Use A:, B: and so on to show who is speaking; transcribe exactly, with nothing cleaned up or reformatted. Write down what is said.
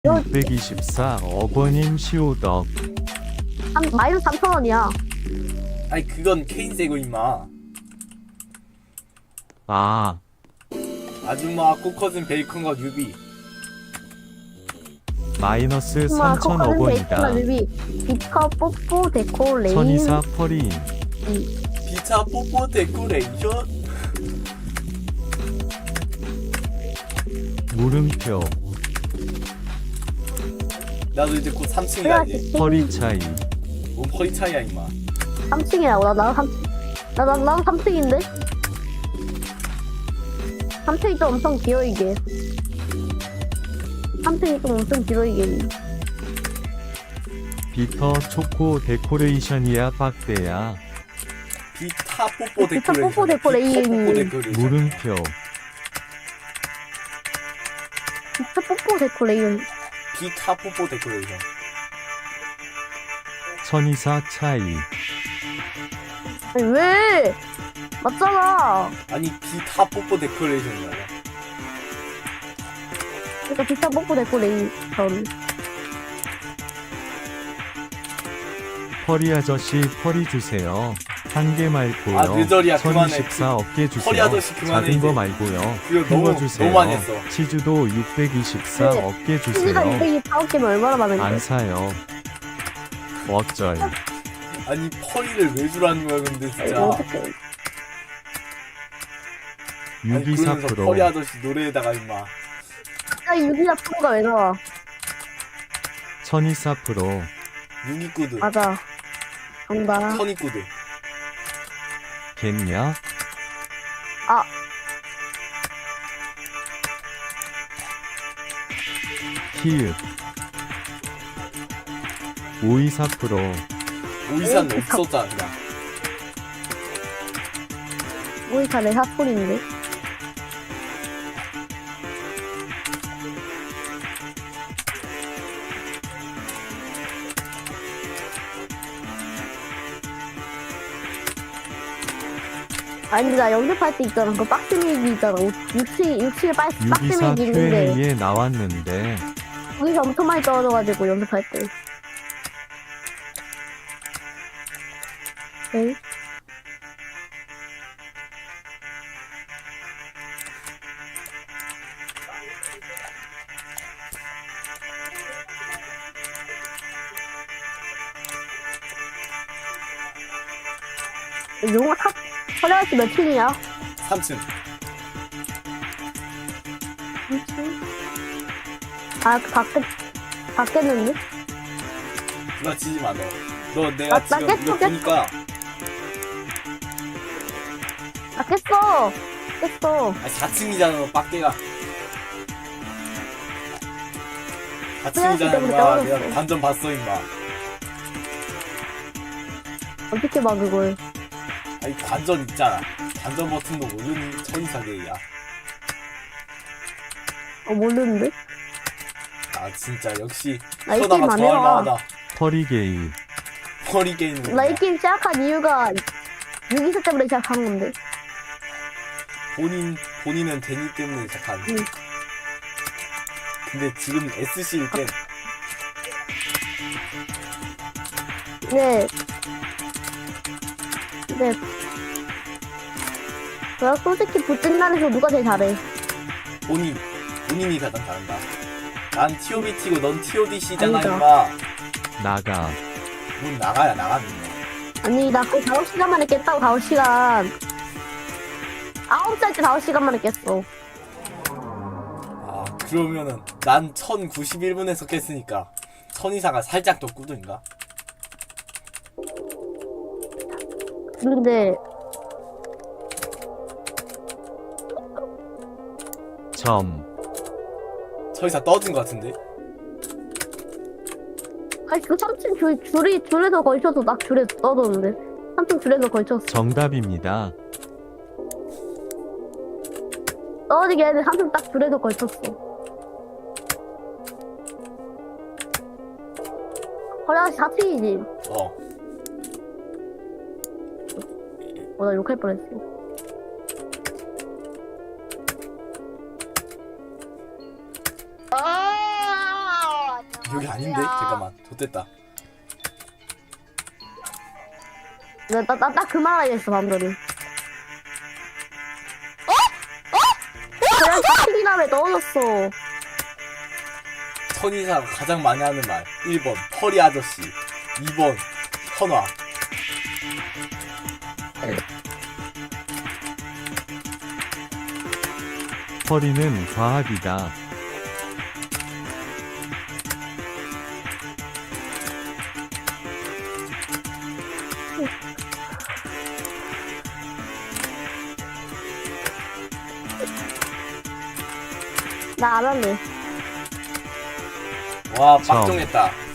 A: 육백이십사억 원임 시오덕.
B: 한 마이너스 삼천 원이야.
C: 아니 그건 케인 세고 임마.
A: 아,
C: 아줌마 코컷은 베이컨과 유비.
A: 마이너스
B: 엄마,
A: 삼천억
B: 코코는
A: 원이다.
B: 베이컨 뮤비, 비커 뽀뽀 데코 레인.
A: 천이사 퍼리인.
C: 비차 뽀뽀 데코레이션.
A: 물음표.
C: 나도 이제 곧 삼 층이다 이제.
A: 허리 차이.
C: 뭔 허리 차이야 임마.
B: 삼 층이라고. 나 나도 삼 나, 나, 나도 삼 층인데? 삼 층이 좀 엄청 길어 이게. 삼 층이 좀 엄청 길어 이게.
A: 비터 초코 데코레이션이야 빡대야.
C: 비타 뽀뽀
B: 비타
C: 데코레이션.
B: 뽀뽀 데코레이션.
C: 비타 뽀뽀 데코레이션.
A: 물음표.
B: 진짜 뽀뽀 데코 레인.
C: 비타 뽀뽀 데코레이션.
A: 천이사 차이.
B: 아니 왜? 맞잖아.
C: 아니 비타 뽀뽀 데코레이션이야.
B: 그러니까 비타 뽀뽀 데코 레인. 전.
A: 퍼리 아저씨 퍼리 주세요. 한 개 말고요.
C: 아, 늦어리야. 그만해.
A: 천이십사억 개 주세요.
C: 퍼리 아저씨 그만해,
A: 작은 거
C: 이제.
A: 말고요.
C: 그거
A: 큰 거
C: 너무-
A: 주세요.
C: 너무 많이 했어.
A: 치즈도 육백이십사억 개
B: 치즈가
A: 주세요.
B: 이백이십사 개면 얼마나 많은데?
A: 안 사요. 어쩔.
C: 아니 퍼리를 왜 주라는 거야 근데
B: 이거
C: 진짜.
B: 어떡해.
C: 아니
A: 육이사
C: 그러면서
A: 프로.
C: 퍼리 아저씨 노래에다가 임마.
B: 갑자기 유기사 프로가 왜 나와?
A: 천이사 프로.
C: 유니구드.
B: 맞아. 간다.
C: 천이구드.
A: 겠냐?
B: 아.
A: 키읔. 오이사 프로.
C: 오이산
B: 오,
C: 없었잖아 그냥.
B: 오이사 내 사풀인데. 아니 근데 나 연습할 때 있잖아. 그 박스메이기 있잖아. 육칠 육칠 박
A: 유기사
B: 박스메이기 있는데
A: 큐 앤에이에 나왔는데
B: 거기서 엄청 많이 떨어져가지고 연습할 때. 네. 용어 탑 허리아씨 몇 층이야?
C: 삼 층.
B: 삼 층? 아, 그 밖에, 밖에는데?
C: 부딪히지 마 너. 너 내가
B: 나- 나
C: 지금
B: 깼어,
C: 이거
B: 깼어.
C: 보니까
B: 아, 깼어! 깼어.
C: 아 사 층이잖아 너 빡대가. 사 층이잖아
B: 때문에
C: 임마.
B: 떨어졌어.
C: 내가 반전 봤어 임마.
B: 어떻게 봐, 그걸.
C: 아니 관전 있잖아. 관전 버튼도 모르니 천이사계야.
B: 어, 모르는데?
C: 아 진짜 역시
B: 나 이 게임
C: 쳐다가
B: 안
C: 더
B: 해봐.
C: 할만하다.
A: 퍼리게이.
C: 허리 게임은
B: 나 이 게임 시작한 이유가 유기사 때문에 시작한 건데.
C: 본인 본인은 데니 때문에 시작한.
B: 응.
C: 근데 지금 에스씨일 땐
B: 네. 네. 내가 솔직히 붙진단에서 누가 제일 잘해?
C: 본인 본인이 가장 잘한다. 난 티오비티고 넌 티오디씨잖아
B: 아니다.
C: 임마.
A: 나가.
C: 문 나가야 나갑니다.
B: 아니, 나 거의 다섯 시간 만에 깼다고, 다섯 시간. 아홉 살 때 다섯 시간 만에 깼어.
C: 아 그러면은 난 천구십일 분에서 깼으니까 천이사가 살짝 더 꾸든가?
B: 근데,
A: 점.
C: 천이사 떠진 것 같은데?
B: 아니, 그 삼 층 줄, 줄이, 줄에서 걸쳐서 막 줄에 떠도는데. 삼 층 줄에서 걸쳤어.
A: 정답입니다.
B: 떨어지게 했는데 삼 층 딱 줄에서 걸쳤어. 허리아씨 사 층이지.
C: 어.
B: 어, 나 욕할 뻔했어. 아!
C: 여기 아닌데? 잠깐만. 좋됐다.
B: 나나나그 말하겠어 방금. 어? 어? 그냥 채팅이남에 넣어줬어.
C: 선의사가 가장 많이 하는 말. 일 번 털이 아저씨. 이 번 선화.
A: 허리는 과학이다.
B: 나 안 할래.
C: 와
A: 점.
C: 빡종했다.